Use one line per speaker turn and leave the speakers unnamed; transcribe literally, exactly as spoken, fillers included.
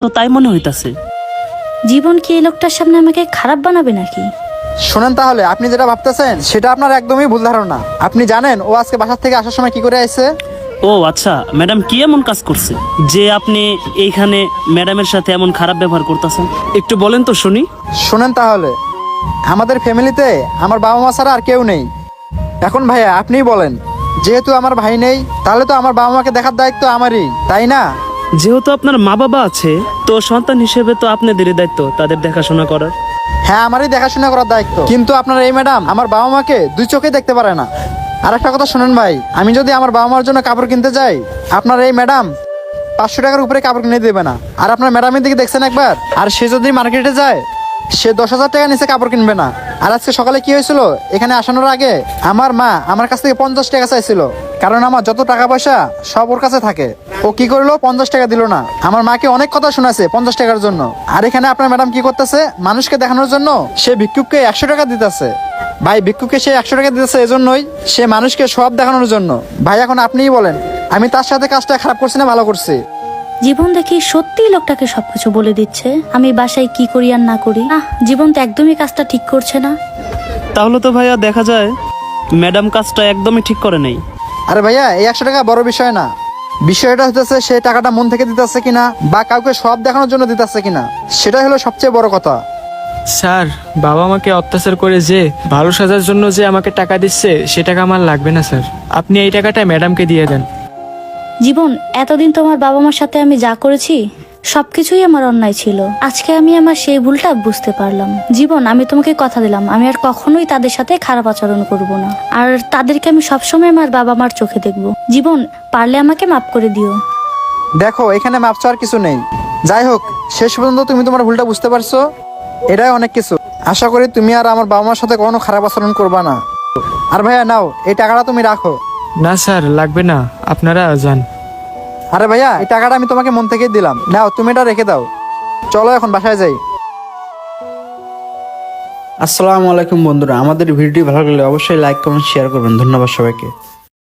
তো তাই মনে হইতাছে।
জীবন কি এই লোকটার সামনে আমাকে খারাপ বানাবে নাকি?
শোনেন, তাহলে আপনি যেটা ভাবতেছেন সেটা আপনার একদমই ভুল ধারণা। আপনি জানেন ও আজকে বাসার থেকে আসার সময় কি করে আসছে?
ও আচ্ছা, ম্যাডাম কি এমন কাজ করছে যে আপনি এইখানে ম্যাডামের সাথে এমন খারাপ ব্যবহার করতেছেন? একটু বলেন তো শুনি।
শোনেন তাহলে, আমাদের ফ্যামিলিতে আমার বাবা মা ছাড়া আর কেউ নেই। এখন ভাইয়া আপনিই বলেন, যেহেতু আমার ভাই নেই তাহলে তো আমার বাবা মাকে দেখার দায়িত্ব আমারই, তাই না?
যেহেতু আপনার মা বাবা আছে, তো সন্তান হিসেবে তো আপনাদেরই দায়িত্ব তাদের দেখাশোনা করার।
হ্যাঁ, আমারই দেখাশোনা করার দায়িত্ব, কিন্তু আপনার এই ম্যাডাম আমার বাবা মাকে দুই চোখে দেখতে পারে না। আর একটা কথা শোনেন ভাই, আমি যদি আমার বাবা মার জন্য কাপড় কিনতে যাই, আপনার এই ম্যাডাম পাঁচশো টাকার উপরে কাপড় কিনে দেবে না। আর আপনার ম্যাডামের দিকে দেখছেন একবার, আর সে যদি মার্কেটে যায় সে দশ হাজার টাকা নিচে কাপড় কিনবে না। আর আজকে সকালে কি হয়েছিল, এখানে আসানোর আগে আমার মা আমার কাছ থেকে পঞ্চাশ টাকা চাইছিল, কারণ আমার যত টাকা পয়সা সব ওর কাছে থাকে। ও কি করলো, পঞ্চাশ টাকা দিল না। আমার মাকে অনেক কথা শোনাছে পঞ্চাশ টাকার জন্য। আর এখানে আপনার ম্যাডাম কি করতেছে, মানুষকে দেখানোর জন্য সে ভিক্ষুককে একশো টাকা দিতেছে। ভাই, ভিক্ষুককে সে একশো টাকা দিতেছে এজন্যই, সে মানুষকে সব দেখানোর জন্য। ভাই এখন আপনিই বলেন, আমি তার সাথে কাজটা খারাপ করছি না ভালো করছি?
জীবন দেখি সত্যি লোকটাকে সবকিছু বলে দিচ্ছে, আমি বাসায় কি করি আর না করি। আহ, জীবন তো একদমই কাজটা ঠিক করছে না।
তাহলে তো ভাইয়া দেখা যায় ম্যাডাম কাজটা একদমই ঠিক করে নেই।
আরে ভাইয়া, এই একশো টাকা বড় বিষয় না। বিষয়টা হচ্ছে সে টাকাটা মন থেকে দিতেছে কিনা, বা কাউকে সব দেখানোর জন্য দিতেছে কিনা, সেটাই হলো সবচেয়ে বড় কথা।
স্যার, বাবা আমাকে অত্যাচার করে যে ভালো সাজার জন্য যে আমাকে টাকা দিচ্ছে, সে টাকা আমার লাগবে না স্যার। আপনি এই টাকাটা ম্যাডামকে দিয়ে দেন।
জীবন, এতদিন তোমার বাবা মার সাথে আমি যা করেছি সবকিছুই আমার অন্যায় ছিল। আজকে আমি আমার সেই ভুলটা বুঝতে পারলাম। জীবন, আমি তোমাকে কথা দিলাম আমি আর কখনোই তাদের সাথে খারাপ আচরণ করব না, আর তাদেরকে আমি সবসময় আমার বাবা মার চোখে দেখব। জীবন, পারলে আমাকে মাফ করে দিও।
দেখো, এখানে মাপ চাওয়ার কিছু নেই। যাই হোক, শেষ পর্যন্ত তুমি তোমার ভুলটা বুঝতে পারছো, এটাই অনেক কিছু। আশা করি তুমি আর আমার বাবা মার সাথে কখনো খারাপ আচরণ করবা না। আর ভাইয়া নাও, এই টাকাটা তুমি রাখো।
না স্যার, লাগবে না, আপনারা যান।
আরে ভাইয়া, এই টাকাটা আমি তোমাকে মন থেকেই দিলাম, নাও তুমি এটা রেখে দাও। চলো এখন বাসায় যাই।
আসসালামু আলাইকুম বন্ধুরা, আমাদের ভিডিওটি ভালো লাগলে অবশ্যই লাইক কমেন্ট শেয়ার করবেন। ধন্যবাদ সবাইকে।